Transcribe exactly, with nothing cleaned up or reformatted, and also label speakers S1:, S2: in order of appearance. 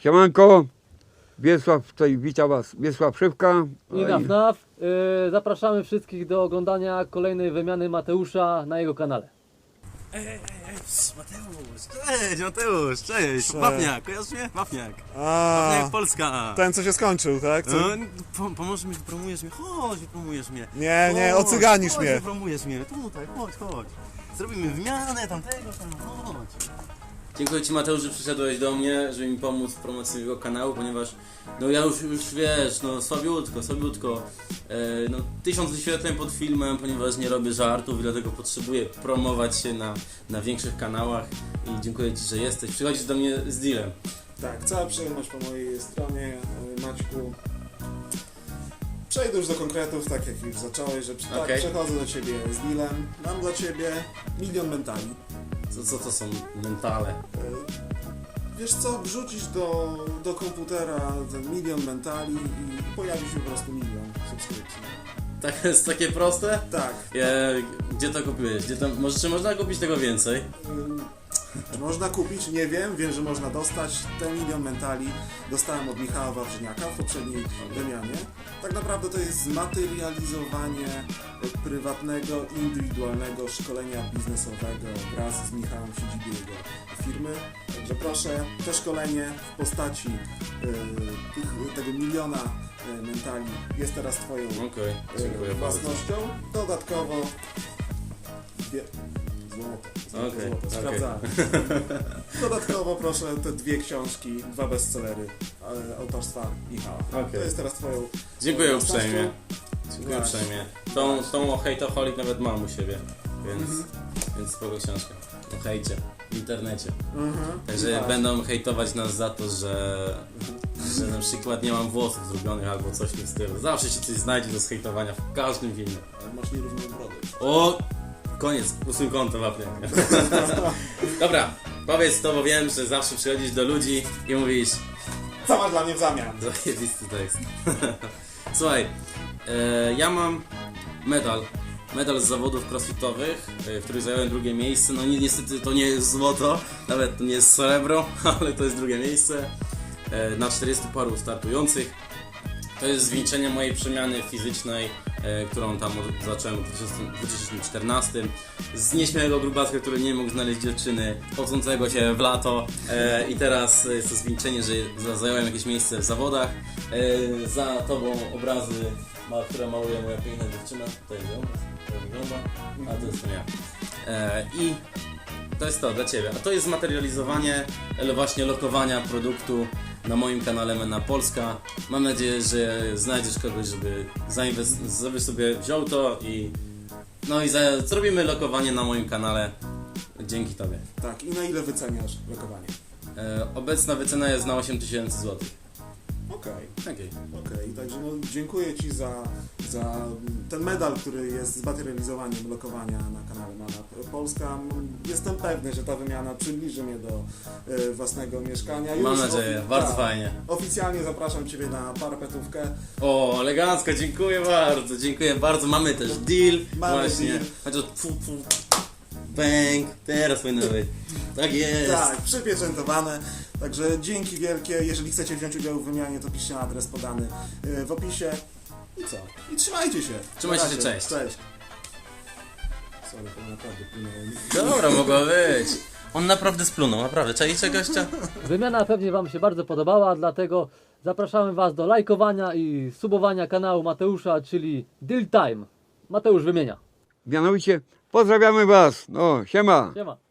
S1: Siemanko, Wiesław, tutaj wita Was Wiesław Szywka.
S2: I naf, naf. Yy, zapraszamy wszystkich do oglądania kolejnej wymiany Mateusza na jego kanale.
S3: Ej, ej, ej, Mateusz, cześć, Mateusz, cześć, Wapniak, kojarzysz mnie? Wapniak,
S4: A,
S3: Wapniak Polska.
S4: ten co się skończył, tak? Co?
S3: No, po, pomożesz mi, wypromujesz mnie, chodź, wypromujesz mnie.
S4: Nie, nie,
S3: Chodź,
S4: ocyganisz
S3: chodź,
S4: mnie.
S3: wypromujesz mnie, tutaj, chodź, chodź. Zrobimy wymianę tamtego, tam, chodź. Dziękuję Ci, Mateusz, że przyszedłeś do mnie, żeby mi pomóc w promocji jego kanału, ponieważ no ja już, już wiesz, no słabiutko, słabiutko, e, no tysiąc wyświetleń pod filmem, ponieważ nie robię żartów i dlatego potrzebuję promować się na, na większych kanałach i dziękuję Ci, że jesteś. Przychodzisz do mnie z dealem.
S4: Tak, cała przyjemność po mojej stronie, Maćku. Przejdę już do konkretów, tak jak już zacząłeś, że tak,
S3: Okej.
S4: przechodzę do Ciebie z dealem. Mam dla Ciebie milion mentali.
S3: Co, co to są mentale?
S4: E, Wiesz co, wrzucisz do, do komputera ten milion mentali i pojawi się po prostu milion subskrypcji.
S3: Tak jest takie proste?
S4: Tak.
S3: E, gdzie to kupiłeś? Gdzie to, może, czy można kupić tego więcej?
S4: Ym, Czy można kupić? Nie wiem. Wiem, że można dostać. Ten milion mentali dostałem od Michała Wawrzyniaka w poprzedniej wymianie. Tak naprawdę to jest zmaterializowanie prywatnego, indywidualnego szkolenia biznesowego wraz z Michałem w siedzibie jego firmy. Także proszę, to szkolenie w postaci y, tych, tego miliona y, mentali jest teraz Twoją
S3: Okej,
S4: y,
S3: dziękuję bardzo.
S4: własnością. Dodatkowo dwie... Złoto. Złoto,
S3: Okej,
S4: złoto.
S3: okej.
S4: Sprawdzałem. Dodatkowo proszę te dwie książki, dwa bestsellery e, autorstwa Michała.
S3: Okej.
S4: To jest teraz Twoją
S3: Dziękuję
S4: własnością.
S3: uprzejmie. Dziękuję
S4: Właśnie.
S3: uprzejmie. Tą, tą o hejtoholik nawet mam u siebie, więc,
S4: Mhm.
S3: więc spoko książka. O hejcie w internecie.
S4: Mhm.
S3: Także
S4: Właśnie.
S3: będą hejtować nas za to, że, że na przykład nie mam włosów zrobionych albo coś w tym stylu. Zawsze się coś znajdzie do zhejtowania w każdym filmie.
S4: Ale masz nierówną brodę.
S3: O! Koniec, usuń konto Wapniak. Dobra, powiedz to, bo wiem, że zawsze przychodzisz do ludzi i mówisz
S4: Co masz dla mnie w zamian?
S3: zajebisty tekst. Słuchaj, e, ja mam medal. Medal z zawodów crossfitowych, e, w których zająłem drugie miejsce. No ni niestety to nie jest złoto, nawet to nie jest srebro, ale to jest drugie miejsce. E, na czterdziestu paru startujących. To jest zwieńczenie mojej przemiany fizycznej, e, którą tam od- zacząłem w dwa tysiące czternastym. Z nieśmiałego grubaska, który nie mógł znaleźć dziewczyny, chodzącego się w lato. E, I teraz jest to zwieńczenie, że za- zająłem jakieś miejsce w zawodach. E, za tobą obrazy, ma, które maluje moja piękna dziewczyna. Tutaj ją, jak wygląda. A to jest to ja. E, I to jest to dla Ciebie. A to jest zmaterializowanie ale właśnie lokowania produktu na moim kanale Mena Polska. Mam nadzieję, że znajdziesz kogoś, żeby zainwest- żeby sobie wziął to i no i za- zrobimy lokowanie na moim kanale dzięki Tobie.
S4: Tak, i na ile wyceniasz lokowanie?
S3: E, obecna wycena jest na osiem tysięcy złotych.
S4: Okej.
S3: Okej.
S4: Okej, także no, dziękuję Ci za, za ten medal, który jest zmaterializowaniem lokowania na kanale Mana Polska. Jestem pewny, że ta wymiana przybliży mnie do e, własnego mieszkania.
S3: Mam
S4: Już
S3: nadzieję,
S4: ofi-
S3: bardzo
S4: tak,
S3: fajnie.
S4: Oficjalnie zapraszam Ciebie na parapetówkę.
S3: O, elegancko, dziękuję bardzo, dziękuję bardzo. Mamy też deal,
S4: Mamy
S3: właśnie.
S4: deal.
S3: Chociaż fu, fu, bang, teraz powinno być. Tak jest.
S4: Tak, przypieczętowane. Także dzięki wielkie. Jeżeli chcecie wziąć udział w wymianie, to piszcie na adres podany e, w opisie. I co? I trzymajcie się.
S3: Trzymajcie
S4: Na
S3: się,
S4: razie.
S3: cześć.
S4: Cześć. Sorry, to naprawdę płynęło.
S3: Dobra, mogło być. On naprawdę splunął, naprawdę. Czajcie gościa?
S2: Wymiana pewnie Wam się bardzo podobała, dlatego zapraszamy Was do lajkowania i subowania kanału Mateusza, czyli Deal Time. Mateusz wymienia.
S1: Mianowicie pozdrawiamy Was. No, siema.
S2: Siema.